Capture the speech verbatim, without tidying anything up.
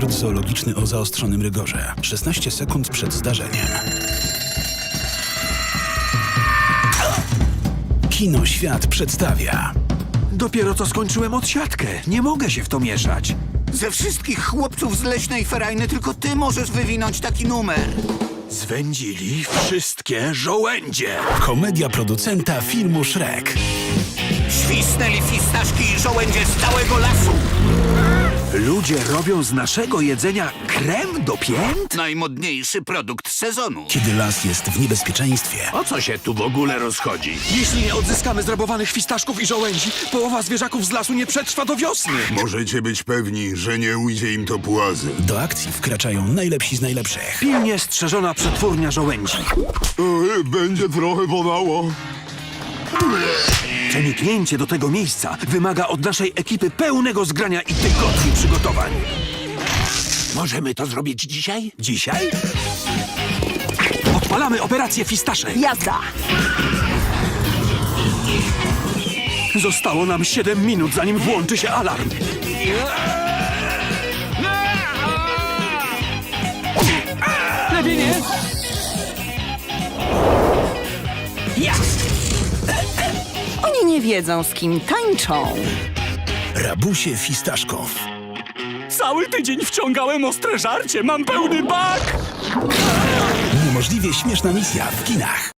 Park zoologiczny o zaostrzonym rygorze. szesnaście sekund przed zdarzeniem. Kino Świat przedstawia. Dopiero co skończyłem odsiadkę. Nie mogę się w to mieszać. Ze wszystkich chłopców z Leśnej Ferajny tylko ty możesz wywinąć taki numer. Zwędzili wszystkie żołędzie. Komedia producenta filmu Shrek. Świsnęli fistaszki i żołędzie z całego lasu. Ludzie robią z naszego jedzenia krem do pięt? Najmodniejszy produkt sezonu. Kiedy las jest w niebezpieczeństwie, O co się tu w ogóle rozchodzi? Jeśli nie odzyskamy zrabowanych fistaszków i żołędzi, połowa zwierzaków z lasu nie przetrwa do wiosny. Możecie być pewni, że nie ujdzie im to płazem. do akcji wkraczają najlepsi z najlepszych. Pilnie strzeżona przetwórnia żołędzi. Ej, będzie trochę bolało. Przeniknięcie do tego miejsca wymaga od naszej ekipy pełnego zgrania i tygodni przygotowań. Możemy to zrobić dzisiaj? Dzisiaj odpalamy operację Fistasze. Jazda! Zostało nam siedem minut, zanim włączy się alarm. Lepiej nie? Oni nie wiedzą, z kim tańczą. Rabusie Fistaszków. Cały tydzień wciągałem ostre żarcie, mam pełny bak! Niemożliwie śmieszna misja w kinach.